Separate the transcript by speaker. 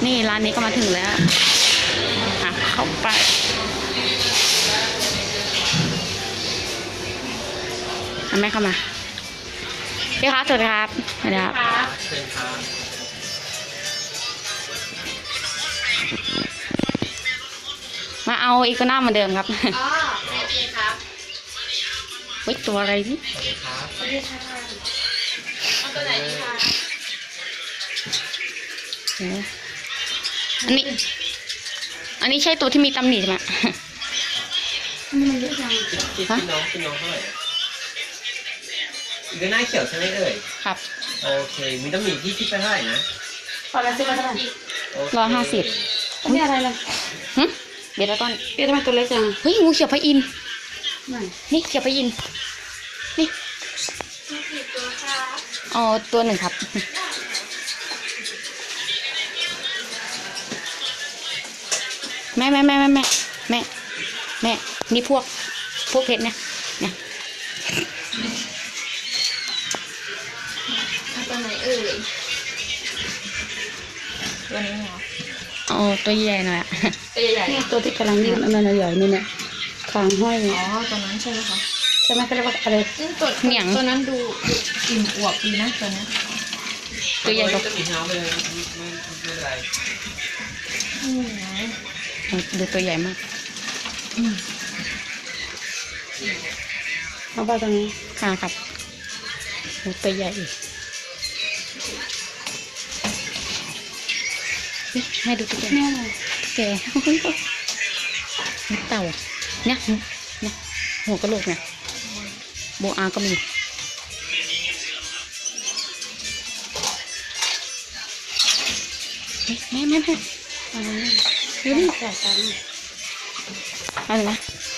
Speaker 1: นี่ร้านนี้ก็มาถึงแล้วเข้าไปแม่เข้ามาพี่คะสวัสดีครับสวัสดีครับมาเอาอีกหน้าเหมือนเดิมครับอ๋อโอเคครับเฮ้ยตัวอะไรนี่สวัสดีครับสวัสดีค่ะเอาตัวไหนดีคะอันนี้ใช่ตัวที่มีตำหนิไหมอันนี้มันเยอะจัง
Speaker 2: พี่น้องเท่าไหร่อีกหน้าเขียวใช่ไหมเอ่ย
Speaker 1: ครับ
Speaker 2: โอเคมีตำหนิที่คิดไปเท่าไหร่นะ
Speaker 1: พอละสิบเท่าไหร่150อันนี้อะไรล่ะเบต้าต้นเบต้ามันตัวเล็กจังเฮ้ยงูเขียวพระอินทร์นี่เขียวพระอินทร์นี่อ๋อตัวหนึ่งครับแม่นี่พวกเพชรเนี่ยตัวไหนเอ่ยตัวนี้เหรออ๋อตัวใหญ่หน่อยอะตัวใหญ่ตัวที่กำลังนี่มันใหญ่นี่เนี่ยคางห้อยอ๋อตัวนั้นใช่ไหมคะใช่ไหมเขาเรียกว่าอะไรตัวเหนียงตัวนั้นดูอิ่มอวบดีนะตัวนี้ตัวใหญ่กว่า
Speaker 2: จะมีเท้าไปเลยไม่เป็นไร
Speaker 1: ดูตัวใหญ่มากเอาไปตรงนี้ค่ะครับตัวใหญ่ให้ดูตัวใหญ่แกเต่าเนี่ยหัวกระโหลกเนี่ยโบอาก็มีแม่ดูดิจ่ายตังค์อะไรนะ